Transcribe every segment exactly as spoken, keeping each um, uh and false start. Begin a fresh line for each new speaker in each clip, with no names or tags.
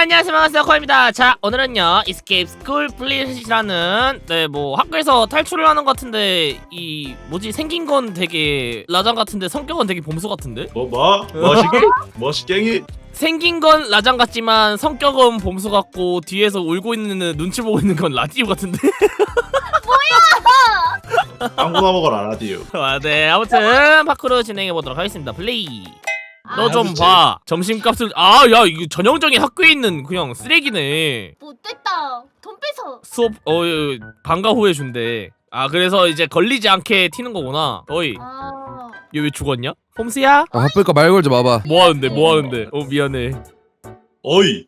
안녕하세요, 반갑습니다. 코입니다. 자, 오늘은요 Escape School Fleet이라는 네 뭐 학교에서 탈출을 하는 것 같은데 이 뭐지 생긴 건 되게 라장 같은데 성격은 되게 봄수 같은데?
뭐 뭐? 멋있게? 멋있갱이?
생긴 건 라장 같지만 성격은 봄수 같고 뒤에서 울고 있는 눈치 보고 있는 건 라디오 같은데?
아무나 먹어라 라디오.
아, 네, 아무튼 파크로 진행해 보도록 하겠습니다. 플레이. 너 좀
그치.
봐. 점심값을 아, 야, 이거 전형적인 학교에 있는 그냥 쓰레기네.
못됐다. 돈 뺏어.
수업 어 예, 방과 후에 준대. 아, 그래서 이제 걸리지 않게 튀는 거구나. 어이,
아.
얘 왜 죽었냐? 홈스야?
아, 바쁠까 말 걸지 마봐.
뭐 하는데? 뭐 하는데? 어, 미안해.
어이.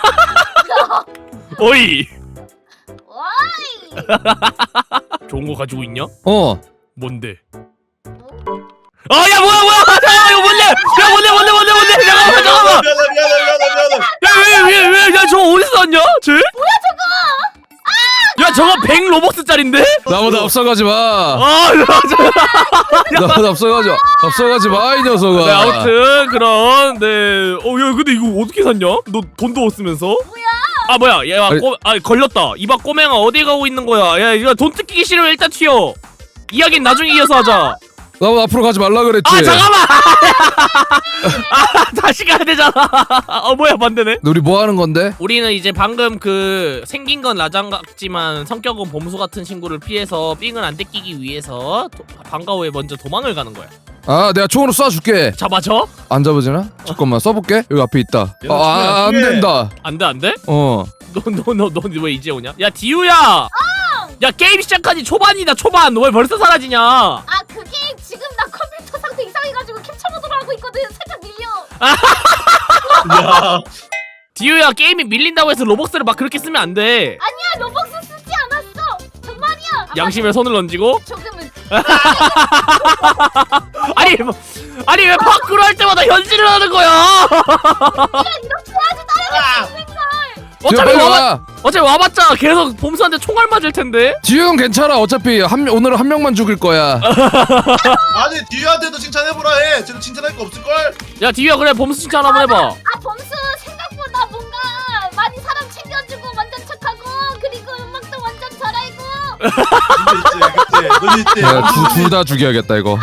어이.
와이.
좋은 거 가지고 있냐?
어.
뭔데? 아, 야, 뭐야, 뭐야! 잠깐만, 이거 뭔데? 야, 뭔데, 뭔데, 뭔데, 뭔데? 잠깐만, 잠깐만!
미안해 미안해 미안해 미안해.
야, 왜, 왜, 왜, 야, 저거 어디서 났냐? 쟤? 뭐야, 저거? 야, 저거 백 로벅스짜린데?
나보다 앞서가지 마.
아, 야,
나보다 앞서가지 마. 앞서가지 마, 이 녀석아.
네, 아무튼 그런 네. 어, 야, 근데 이거 어떻게 샀냐? 너 돈도 없으면서?
뭐야?
아, 뭐야? 야,
아니,
꼬, 아, 걸렸다. 이봐 꼬맹아 어디 가고 있는 거야? 야, 이거 돈 뜯기기 싫으면 일단 튀어. 이야기는 나중에 이어서 하자.
나보다 앞으로 가지 말라 그랬지.
아, 잠깐만. 아, 다시 가야 되잖아. 어, 뭐야, 반대네.
우리 뭐 하는 건데?
우리는 이제 방금 그 생긴 건 라장 같지만 성격은 봄수 같은 친구를 피해서 삥을 안 뜯기기 위해서 도, 방과 후에 먼저 도망을 가는 거야.
아, 내가 총으로 쏴줄게.
잡아줘?
안 잡아지나? 잠깐만 쏴볼게. 여기 앞에 있다.
얘는
아, 아, 안
중요해.
된다.
안 돼, 안 돼?
어.
너 너 너 너 왜 이제 오냐? 야, 디우야! 야, 게임 시작하지 초반이다, 초반. 너 왜 벌써 사라지냐?
아 그게 지금 나 컴퓨터 상태 이상해가지고 캡처 모드로 하고 있거든. 살짝 밀려.
야.
디우야, 게임이 밀린다고 해서 로벅스를 막 그렇게 쓰면 안 돼.
아니야 로벅스 쓰지 않았어. 정말이야. 아,
양심에 손을 던지고.
조금은.
아니, 뭐, 아니 왜 파크로 할 때마다 현질을 하는 거야?
이렇게 해야지 따라갈 수 있는 걸.
뒤에
어차피
빨리
와봤,
와.
어차피 와봤자 계속 봄수한테 총알 맞을 텐데.
지우 괜찮아. 어차피 한 명- 오늘은 한 명만 죽일 거야.
아니 디유한테도 칭찬해보라 해. 쟤는 칭찬할 거 없을걸?
야, 디우야, 그래 봄수 칭찬 한번 해봐.
아 범수 생각보다 뭔가 많이 사람 챙겨주고 완전 착하고 그리고 음악도 완전 잘 알고.
눈 있지 그치 눈 있지.
둘 다 죽여야겠다 이거.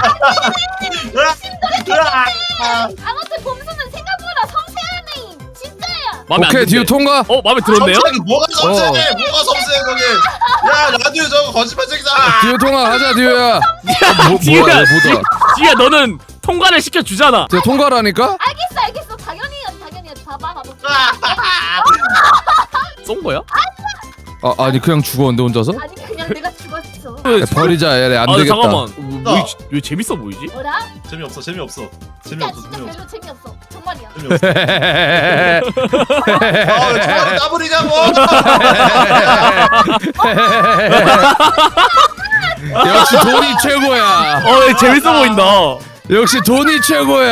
아무튼 범수는 생각보다 섬세하네. 진짜야.
마음에 안
오케이,
든대.
디우 통과.
어, 마음에 들었네요?
섬세하게 뭐가 섬세해? 뭐가 섬세해 거기? 야 라디오 저거 거짓말쟁이다.
디우 통과 하자, 디우야. 어, 뭐,
디우야,
뭐야, 이거 뭐다.
디우야, 너는 통과를 시켜 주잖아.
디우 통과라니까?
알겠어 알겠어 당연히 당연히 봐봐 봐봐.
쏜 거야?
아, 아니 그냥 죽었는데 혼자서?
아니 그냥 내가 죽었어.
야, 버리자. 얘네 안
아,
되겠다.
잠깐만. 왜, 왜 재밌어 보이지?
뭐라?
재미없어 재미없어
진짜
재미없어
진짜
재미없어
별로 재미없어. 정말이야.
재미없어. 아왜 중간에 까불이냐고.
역시 돈이 최고야.
어, 재밌어 보인다.
역시 돈이 최고야.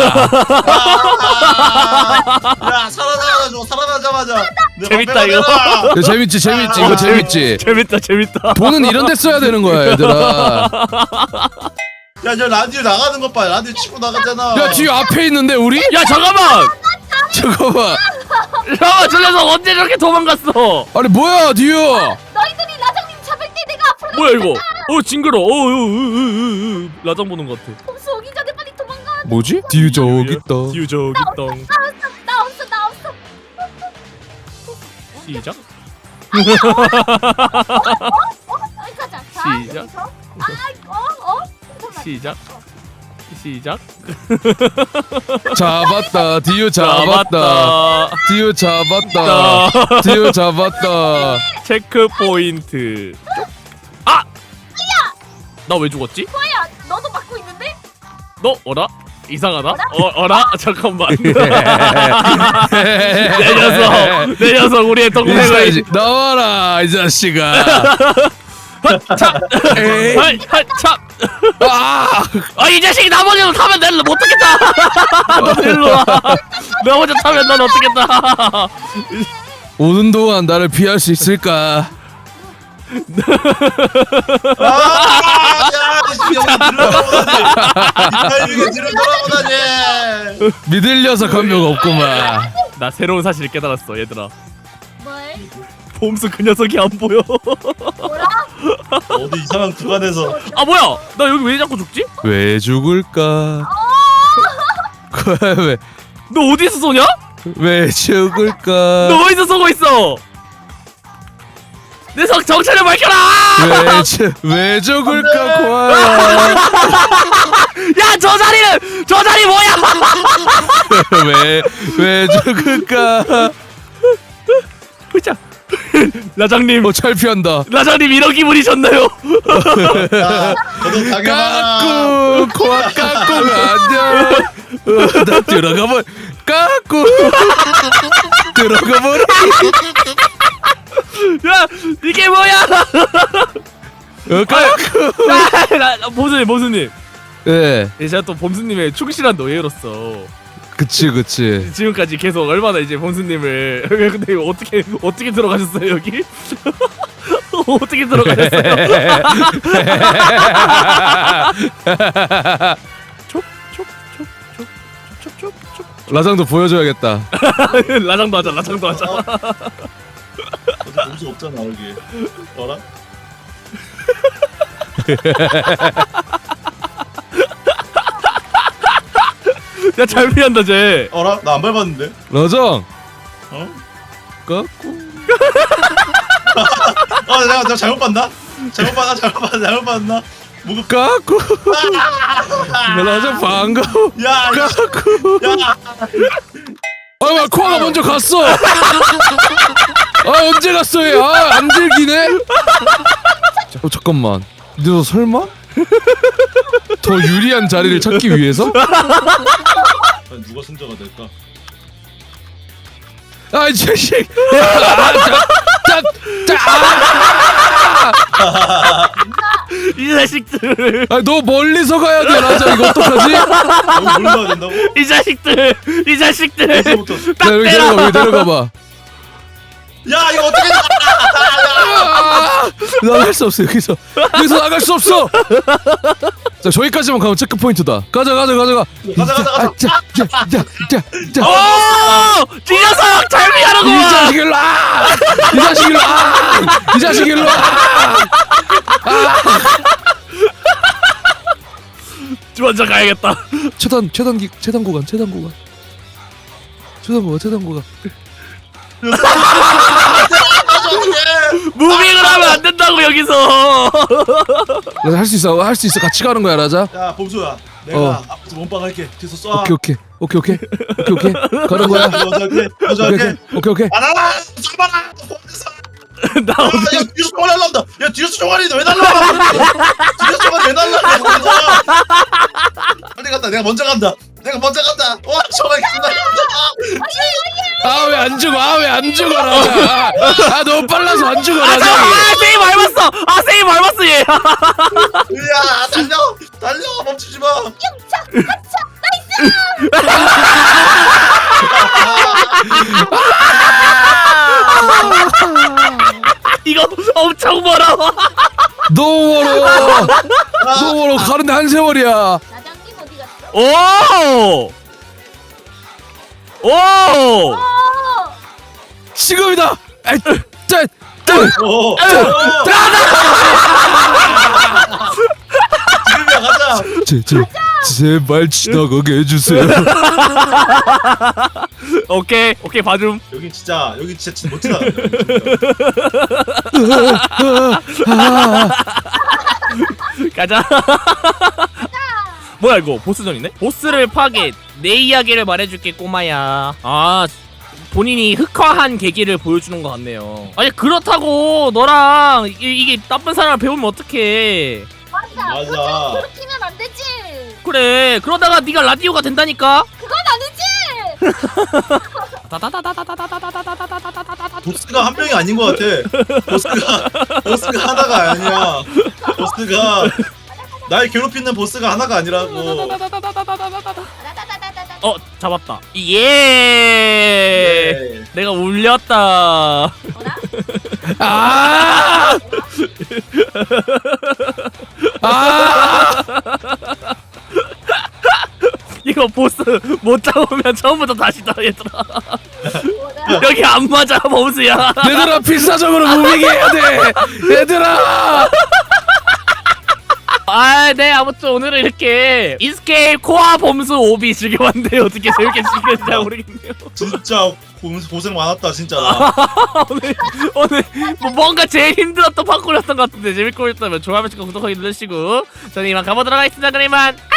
야 살아나자마자 살아나자마자. 내
재밌다,
방패가
이거.
되나?
야, 재밌지, 재밌지. 이거 재밌지.
재밌다, 재밌다.
돈은 이런 데 써야 되는 거야, 얘들아.
야, 저 라디오 나가는 것 봐. 라디오 치고 나가잖아.
야, 뒤에 앞에 있는데 우리?
야, 잠깐만.
잠깐만.
야, 저 녀석 언제 저렇게 도망갔어?
아니 뭐야, 뒤에?
너희들이 라장님 잡을 때 내가 앞으로
뭐야 이거? 어, 징그러. 어, 어, 어, 어, 어, 어. 라장 보는 것 같아.
범수 오기 전에 빨리 도망가.
뭐지? 뒤에 저기 있다.
디우 저기 있다.
나 없어 나 없어 나 없어.
시작.
어? 가자. 자,
시작.
여기서. 아, 어? 어? 잠깐만.
시작. 시작.
잡았다. 뒤에 잡았다. 뒤에 잡았다. 뒤에 잡았다.
체크 포인트. 아! 나 왜 죽었지?
뭐야? 너도 받고 있는데?
너 어라? 이상하다. 어, 어라? 잠깐만. 내 녀석, 내 녀석 우리의 동생을
인사해야지. 나와라, 이 자식아.
참.
에이.
아이, 아이, 참.
아!
아, 이 자식이 나머지로 타면 내를 못 타겠다. 너 일로 와. 나 혼자 타면 넌 어떻겠다.
오는 동안 나를 피할 수 있을까?
아, 야, 씨, 여기 들어가보다니. 이 타이밍에 뒤로 돌아보다니.
믿을 녀석 한 명 없구만.
나 새로운 사실을 깨달았어 얘들아.
뭘?
봄수 그 녀석이 안 보여.
뭐라?
어디 이상한 구간에서
아 뭐야? 나 여기 왜 자꾸 죽지?
왜 죽을까? 왜,
너 어디서 쏘냐?
왜 죽을까?
너 어디서 쏘고 있어? 내 성 정체를 밝혀라!
왜, 주, 왜 죽을까, 고아야?
야, 저 자리는 저 자리 뭐야?
왜, 왜 죽을까?
보자. 라장님,
어, 잘 피한다.
라장님 이런 기분이셨나요?
야 너도 당해봐라.
까꿍, 고아 까꿍 안녕. 어, 나 들어가 볼, 까꿍. 들어가 버리.
야, 이게 뭐야?
어, 까꿍.
라, 라, 보수님, 보수님.
예,
예, 제가 또 범수님의 충실한 노예로서
그치, 그치.
지금까지 계속 얼마나 이제 범수님을 근데 이거 어떻게 어떻게 들어가셨어요 여기? 어떻게 들어가셨어요? 촉촉촉촉촉촉촉촉
라장도 보여줘야겠다.
라장도 하자, 라장도 하자.
어디 범수 없잖아 여기. 어라?
야, 잘 피한다 쟤.
어라? 나 안 밟았는데.
라장,
어?
까꿍.
아 내가 내가 잘못 봤나? 잘못 봤나? 잘못 봤나? 잘못 봤나? 무급.
까꿍. 라장 반가워.
야, 이 씨.
까꿍.
야.
아, 왜 코아가 먼저 갔어? 아, 언제 갔어 얘? 아, 안 들기네. 어, 잠깐만. 너 설마? 더 유리한 자리를 찾기 위해서?
과연 누가 승자가 될까?
아, 이 자식. 아, 자, 자, 자, 아!
이 자식들,
아, 너 멀리서 가야 돼, 라자. 이거 어떡하지? 야,
여기 몰라야 된다고?
이 자식들, 이 자식들.
벌써부터.
딱
여기
때려.
내려가, 여기 내려가봐.
야 이거 어떻게?
아, 나갈 수 없어, 여기서. 여기서 나갈 수 없어. 자, 저기까지만 가면 체크 포인트다. 가자, 가자, 가자, 가.
가자 가자 가자.
아, 자, 자, 자, 자, 자.
오! 이 녀석 잘
이
피하는구만.
자식 일로 와! 이 자식 일로 와! 이 자식 일로 와!
먼저 가야겠다.
최단 최단기 최단 구간 최단 구간 최단 구간 최단 구간
무빙을 하면 안 된다고 여기서.
할 수 있어 할 수 있어 같이 가는 거야 라자.
야 범수야. 내가
어.
앞에서 몸빵 할게. 뒤에서 쏴.
오케이 오케이 오케이 오케이 오케이 오케이 가는 거야.
먼저 할게. 먼저
오케이
할게.
오케이 오케이.
아나라 잡아라. 범수.
나
야,
어디?
야 뒤에서 총알이 날라온다. 야 뒤에서 총알이 왜 날라와? 뒤에서 총알이 왜 날라와? 빨리 간다. 내가 먼저 간다. 내가 먼저 간다. 와 총알이 날라온다.
아 왜 안 죽어 아 왜 안 죽어 라자. 아 너무 빨라서 안 죽어
아
라자.
잠깐, 아 세이 밟았어. 아 세이 밟았어 얘.
야 달려 달려 멈추지 마.
이거 엄청 멀어.
너무 멀어 너무 멀어 가는데 한 세월이야.
나장님 어디 갔어?
오. 오.
어!
지금이다. 에이, 짠,
오. 오. 지금이야 가자.
제, 제, 제발 지나가게 해주세요.
오케이 오케이 봐줌.
여기 진짜 여기 진짜 진짜 못 지나간다.
가자. 뭐야 이거 보스전이네? 보스를 파괴. 내 이야기를 말해줄게 꼬마야. 아 본인이 흑화한 계기를 보여주는 것 같네요. 아니 그렇다고 너랑 이게, 이게 나쁜 사람을 배우면 어떡해.
맞아.
맞아.
그렇게 괴롭히면 안 되지.
그래 그러다가 네가 라디오가 된다니까.
그건 아니지.
보스가 한 명이 아닌 것 같아. 보스가 보스가 하나가 아니야. 보스가 날 괴롭히는 보스가 하나가 아니라고.
따다다다다다다다다.
어 잡았다. 예.
네.
내가 울렸다.
뭐라?
아! 아!
이거 이거 보스 못 잡으면 처음부터 다시다 얘들아.
뭐라?
여기 안 맞아 범수야.
얘들아 필사적으로 무빙 해야 돼. 얘들아.
아, 네, 아무튼 오늘은 이렇게 인스케이프 코아 범수 오비 즐겨봤는데 어떻게 재밌게 즐겼는지 모르겠네요.
진짜 고- 고생 많았다 진짜. 나.
오늘 오늘 뭐 뭔가 제일 힘들었던 파쿠르였던 것 같은데 재밌고 있다면 좋아요, 구독하기 눌러주시고 저는 이만 가보도록 하겠습니다. 그럼 이만.